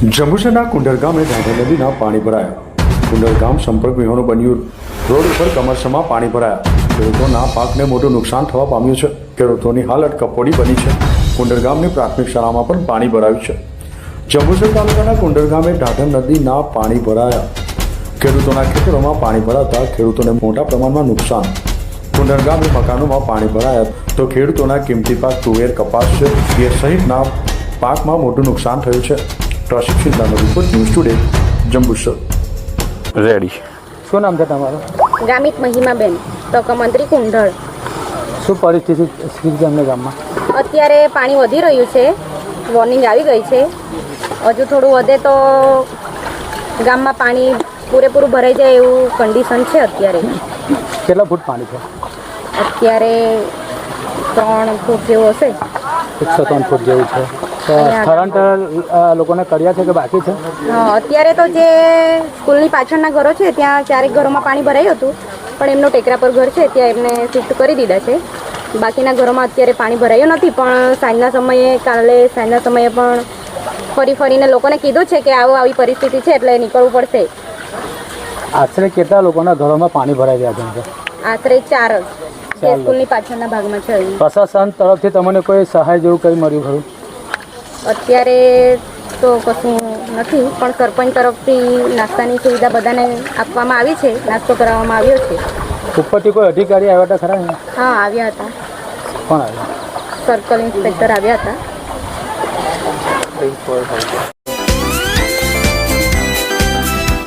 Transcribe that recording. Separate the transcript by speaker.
Speaker 1: જંબુસરના કુંડર ગામે ઢાઢર નદીના પાણી ભરાયા. કુંડર ગામ સંપર્ક વિહોણું બન્યું. રોડ ઉપર કમરસમાં પાણી ભરાયા. ખેડૂતોના પાકને મોટું નુકસાન થવા પામ્યું છે. ખેડૂતોની હાલત કફોડી બની છે. કુંડર ગામની પ્રાથમિક શાળામાં પણ પાણી ભરાયું છે. જંબુસર તાલુકાના કુંડર ગામે ઢાઢર નદીના પાણી ભરાયા. ખેડૂતોના ખેતરોમાં પાણી ભરાતા ખેડૂતોને મોટા પ્રમાણમાં નુકસાન. કુંડર ગામે મકાનોમાં પાણી ભરાયા તો ખેડૂતોના કિંમતી પાક તુવેર, કપાસ એ સહિતના પાકમાં મોટું નુકસાન થયું છે. પ્રશિક્ષિત report news today Jambusar.
Speaker 2: Ready.
Speaker 3: શું નામ છે તમારું?
Speaker 4: ગામિત મહિમાબેન, તકમંત્રી કુંઢળ.
Speaker 3: શું પરિસ્થિતિ છે અમને ગામમાં?
Speaker 4: અત્યારે પાણી વધી રહ્યું છે, વોર્નિંગ આવી ગઈ છે. હજુ થોડું વધે તો ગામમાં પાણી પૂરેપૂરું ભરાઈ જાય એવું કન્ડિશન છે અત્યારે.
Speaker 3: કેટલા ફૂટ પાણી છે?
Speaker 4: અત્યારે 3 ફૂટ જેવું હશે.
Speaker 3: 103 ફૂટ જેવું છે. તો સ્થળાંતર લોકોને કર્યા છે કે બાકી છે?
Speaker 4: અત્યારે તો જે સ્કૂલની પાછળના ઘરો છે ત્યાં 4 ઘરોમાં પાણી ભરાયું હતું, પણ એમનો ટેકરા પર ઘર છે ત્યાં એમને શિફ્ટ કરી દીધા છે. બાકીના ઘરોમાં અત્યારે પાણી ભરાયું નથી, પણ કાલે સાંજના સમયે પણ ફરીને લોકોને કીધું છે કે આવી પરિસ્થિતિ છે એટલે નીકળવું પડશે.
Speaker 3: આશરે કેટલા લોકોના ઘરોમાં પાણી ભરાઈ ગયા છે?
Speaker 4: આશરે 4 જ જે સ્કૂલની પાછળના ભાગમાં છે.
Speaker 3: પ્રશાસન તરફથી તમને કોઈ સહાય જેવું કંઈ મળ્યું ખરું?
Speaker 4: અત્યારે તો કશું નથી, પણ સરપંચ તરફથી નાસ્તાની સુવિધા બધાને આપવામાં આવી છે, નાસ્તો કરાવવામાં આવ્યો છે.
Speaker 3: ઉપરથી કોઈ અધિકારી આવ્યા હતા ખરા?
Speaker 4: હા, આવ્યા હતા.
Speaker 3: કોણ આવ્યા?
Speaker 4: સર્કલ ઇન્સ્પેક્ટર આવ્યા હતા.